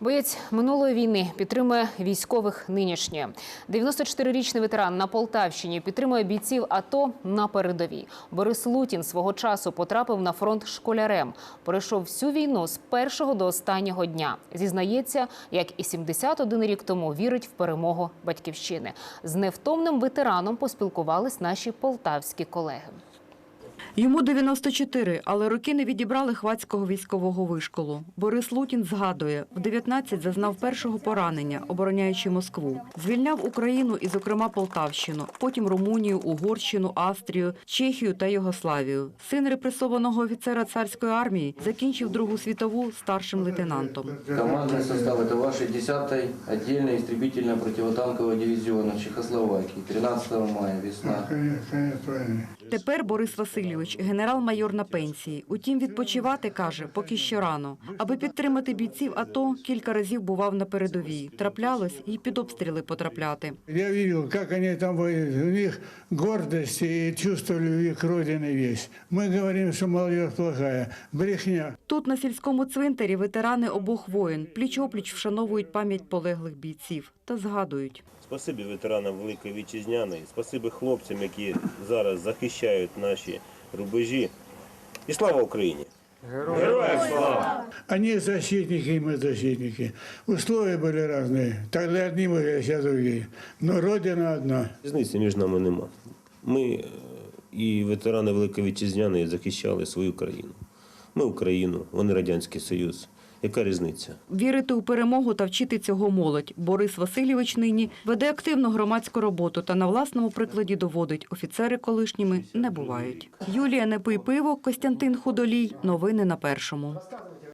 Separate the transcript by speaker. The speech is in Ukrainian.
Speaker 1: Боєць минулої війни підтримує військових нинішньої. 94-річний ветеран на Полтавщині підтримує бійців АТО на передовій. Борис Лутін свого часу потрапив на фронт школярем. Пройшов всю війну з першого до останнього дня. Зізнається, як і 71 рік тому, вірить в перемогу батьківщини. З невтомним ветераном поспілкувались наші полтавські колеги.
Speaker 2: Йому 94, але роки не відібрали Хвацького військового вишколу. Борис Лутін згадує, в 19 зазнав першого поранення, обороняючи Москву. Звільняв Україну і, зокрема, Полтавщину, потім Румунію, Угорщину, Австрію, Чехію та Югославію. Син репресованого офіцера царської армії закінчив Другу світову старшим лейтенантом.
Speaker 3: Командный состав – это вашей 10-й отдельной истребительно-противотанкового дивизиона Чехословакии. 13 мая, весна.
Speaker 2: Тепер Борис Васильович – генерал-майор на пенсії. Утім, відпочивати, каже, поки що рано. Аби підтримати бійців АТО, кілька разів бував на передовій. Траплялось і під обстріли потрапляти.
Speaker 4: Я бачив, як вони там воюють. У них гордість і чувство любові к родині є. Ми говоримо, що молодь плохая. Брехня.
Speaker 2: Тут, на сільському цвинтарі, ветерани обох воїн пліч-опліч вшановують пам'ять полеглих бійців та згадують.
Speaker 5: Спасибі ветеранам Великої Вітчизняної, спасибі хлопцям, які зараз захищають наші рубежі. І слава Україні! Героям слава!
Speaker 4: Они защитники, и мы защитники. Условия были разные. Тогда одни были, а сейчас другие. Но Родина одна.
Speaker 5: Різниці між нами нема. Ми і ветерани Великої Вітчизняної захищали свою країну. Ми Україну, вони Радянський Союз. Яка різниця?
Speaker 2: Вірити у перемогу та вчити цього молодь. Борис Васильович нині веде активну громадську роботу та на власному прикладі доводить, офіцери колишніми не бувають. Юлія Непий-Пиво, Костянтин Худолій. Новини на Першому.